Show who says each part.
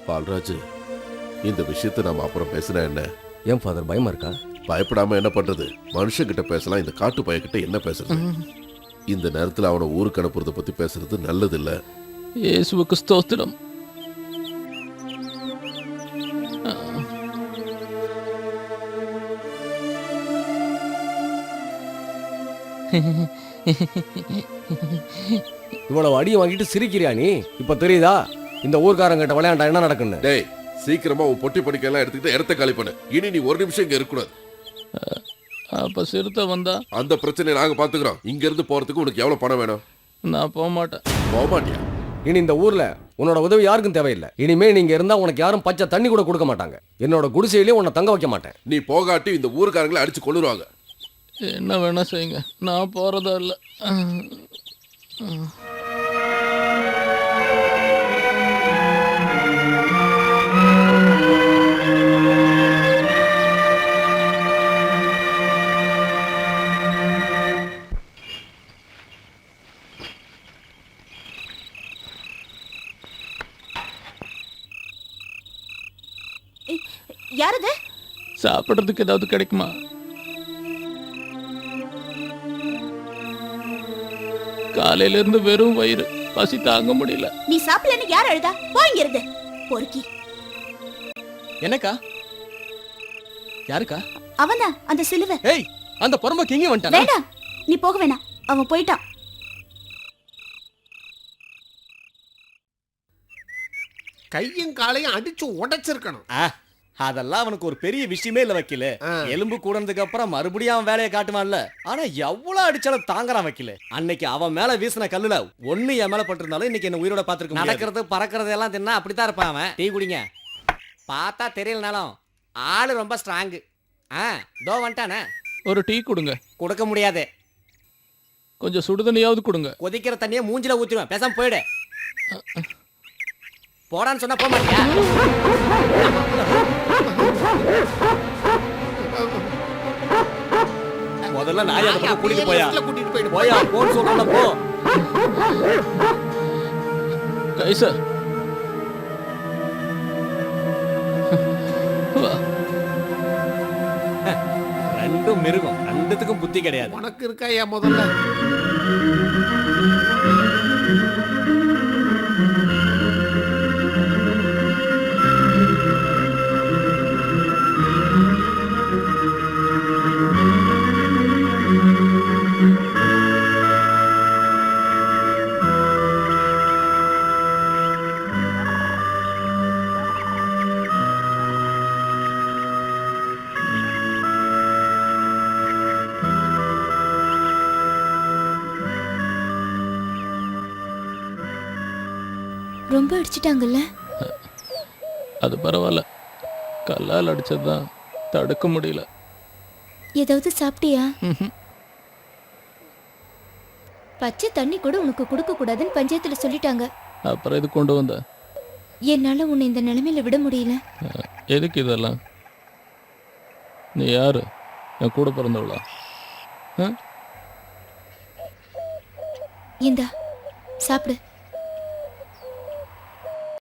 Speaker 1: பால்ராஜ், இந்த விஷயத்தை நாம அப்புறம் பேசினா என்ன?
Speaker 2: ஏன் ஃபாதர் பயமா இருக்கா?
Speaker 1: பயப்படாம என்ன பண்றது? மனுஷங்கிட்ட பேசலாம், இந்த காட்டு பையன்கிட்ட என்ன பேசுறது? இந்த நேரத்துல அவனை ஊருக்கு அனுப்புறத பத்தி பேசுறது நல்லது இல்ல.
Speaker 3: இயேசுவுக்கு ஸ்தோத்திரம்.
Speaker 2: இவ்வளவு அடியை வாங்கிட்டு சிரிக்கிறியா நீ? இப்ப தெரியுதா இந்த ஊர்க்காரங்கிட்ட விளையாண்டா என்ன நடக்குன்னு?
Speaker 1: டேய், சீக்கிரமா உன் பொட்டி படிக்கலாம் எடுத்துக்கிட்டு இடத்த காலி பண்ணு. இனி நீ ஒரு நிமிஷம் இங்க இருக்கக்கூடாது.
Speaker 3: அப்ப சிறுத்தை வந்தா
Speaker 1: அந்த பிரச்சனையை நாங்க பாத்துக்கிறோம். இங்க இருந்து போறதுக்கு உனக்கு எவ்வளவு பணம் வேணும்?
Speaker 3: நான் போக மாட்டேன்.
Speaker 1: போக மாட்டியா?
Speaker 2: இனி இந்த ஊர்ல உன்னோட உதவி யாருக்கும் தேவையில்லை. இனிமே நீங்க இருந்தா உனக்கு யாரும் பச்சை தண்ணி கூட கொடுக்க மாட்டாங்க. என்னோட குடிசையிலேயே உன்னை தங்க வைக்க மாட்டேன்.
Speaker 1: நீ போகாட்டி இந்த ஊருக்காரங்களை அடிச்சு கொள்ளுருவாங்க.
Speaker 3: என்ன வேணா செய்யுங்க, நான் போறதா இல்ல.
Speaker 4: யாரது?
Speaker 3: சாப்பிடுறதுக்கு ஏதாவது கிடைக்குமா? காலையில இருந்து வெறும் வயிறு, பசி தாங்க முடியல.
Speaker 4: நீ சாப்பிடலன்னு யார் அழுதா? போங்க இருந்து பொறுக்கி.
Speaker 5: என்னக்கா? யாருக்கா?
Speaker 4: அவன்தான் அந்த சிலுவை.
Speaker 5: ஏய், அந்த பொறம்போக்கு எங்க வந்துட்டானா?
Speaker 4: வேண்டாம், நீ போக வேணாம். அவன் போயிட்டான்.
Speaker 6: கையும் காலையும் அடிச்சு உடைச்சிருக்கணும்.
Speaker 5: அதெல்லாம் அவனுக்கு ஒரு பெரிய விஷயமே இல்ல வக்கீல. எலும்பு கூடனதுக்கு அப்புறம் மறுபடியும் அவன் வேலையை காட்டுவான்ல. ஆனா எவ்வளவு அடிச்சாலும் தாங்கறான் வக்கீல. அன்னைக்கு அவன் மேல வீசின கல்லுல ஒண்ணு என் மேல பட்டிருந்தாலும் இன்னைக்கு என்ன உயிரோட பாத்துருக்க.
Speaker 7: நடக்கிறது பறக்கிறது எல்லாம் தின்னா அப்படித்தான் இருப்பான் அவன். டீ குடிங்க. பார்த்தா தெரியலனாலும் ஆளு ரொம்ப ஸ்ட்ராங். தோ வந்துட்டானே.
Speaker 3: ஒரு டீ கொடுங்க.
Speaker 7: கொடுக்க முடியாது.
Speaker 3: கொஞ்சம் சுடுதண்ணியாவது கொடுங்க.
Speaker 7: கொதிக்கிற தண்ணியை மூஞ்சில ஊத்திடுவேன். பேசாம போயிடு. போடான்னு சொன்னா போக மாட்டியா?
Speaker 5: முதல்ல நாய் அதை பக்கம் கூட்டிட்டு போயா.
Speaker 6: கூட்டிட்டு போயிடு.
Speaker 5: போயா, போன்னு சொல்றேன்ல, போ.
Speaker 3: கைசா,
Speaker 5: ரெண்டும் மிருகம், ரெண்டுத்துக்கும் புத்தி கிடையாது.
Speaker 6: உனக்கு இருக்கா ஏன் முதல்ல?
Speaker 4: ரொம்ப அடிச்சிட்டாங்கல்ல?
Speaker 3: அது பரவாயில்ல, கல்லால் அடிச்சதுதான் தடுக்க முடியல.
Speaker 4: ஏதாவது சாப்பிட்டியா? பச்சை தண்ணி கூட உனக்கு கொடுக்க கூடாதுன்னு பஞ்சாயத்துல சொல்லிட்டாங்க.
Speaker 3: அப்புறம் இது கொண்டு வந்த?
Speaker 4: என்னால உன்னை இந்த நிலைமையில விட முடியல.
Speaker 3: எதுக்கு இதெல்லாம்? நீ யாரு? என் கூட பிறந்தவளா?
Speaker 4: இந்தா சாப்பிடு.